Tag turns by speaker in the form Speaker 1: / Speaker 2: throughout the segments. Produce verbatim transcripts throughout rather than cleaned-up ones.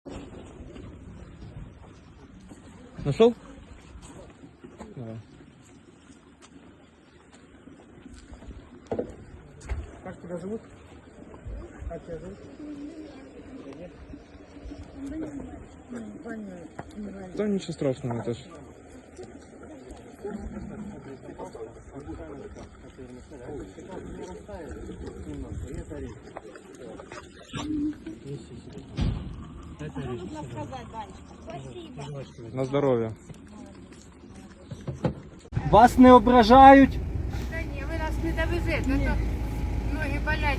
Speaker 1: Нашел? Давай.
Speaker 2: Как тебя зовут? Как тебя зовут?
Speaker 1: Да ничего страшного, это ж. На здоровье.
Speaker 2: Вас не ображають?
Speaker 3: Та ні, ви нас не довезете, а то ноги болять.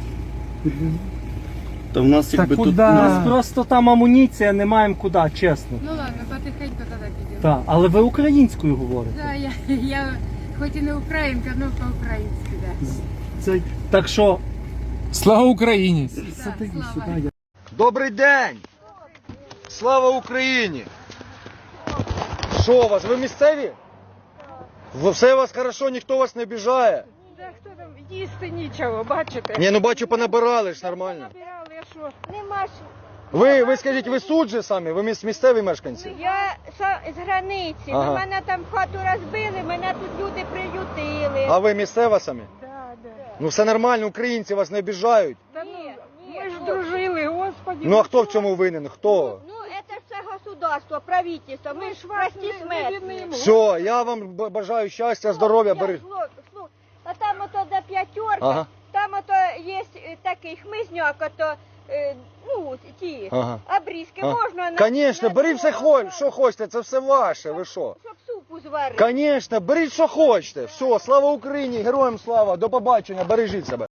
Speaker 4: Та в нас якби тут
Speaker 2: У нас просто там амуніція, не маємо куди, чесно.
Speaker 3: Ну ладно, потихеньку тоді підемо.
Speaker 2: Так, але ви українською говорите.
Speaker 3: Да, я, я хоч і не українка, але по-українськи, да.
Speaker 2: Це, так що,
Speaker 1: Слава Україні!
Speaker 2: сади
Speaker 3: слава.
Speaker 2: сюди. я-
Speaker 5: Добрий день! Слава Україні! Що у вас? Ви місцеві? Ви- Все у вас хорошо, ніхто вас не обіжає?
Speaker 3: Да, хто там їсти нічого, бачите?
Speaker 5: Ні, ну бачу, понабирали ж нормально.
Speaker 3: Набирали, а що? Нема що.
Speaker 5: Ви, ви скажіть, ви суд же самі? Ви міс- місцеві мешканці?
Speaker 6: Я са- з границі.
Speaker 5: Ага.
Speaker 6: Ну, мене там хату розбили, мене тут люди приютили.
Speaker 5: А ви місцева самі?
Speaker 3: Да, да.
Speaker 5: Ну все нормально, українці вас не обіжають.
Speaker 3: Та ну,
Speaker 6: Ні, ні,
Speaker 3: ми ж
Speaker 6: ну,
Speaker 3: дружили, господи.
Speaker 5: Ну а хто в цьому винен? Хто?
Speaker 6: Ну, це ж все государство, правительство. Ми ж прості смертні.
Speaker 5: Все, я вам б- бажаю щастя, здоров'я,
Speaker 6: Я,
Speaker 5: бери.
Speaker 6: слу- слу- А там ото до п'ятерки,
Speaker 5: Ага.
Speaker 6: там ото є е, такий хмизняк, ото, е, ну, ті,
Speaker 5: Ага.
Speaker 6: обрізки
Speaker 5: А.
Speaker 6: можна на...
Speaker 5: Конечно,
Speaker 6: на
Speaker 5: беріть все,
Speaker 6: суп,
Speaker 5: хо- що хочете, це все ваше, ви що?
Speaker 6: Щоб супу зварити.
Speaker 5: Конечно, беріть що хочете. Все, слава Україні, героям слава, до побачення, бережіть себе.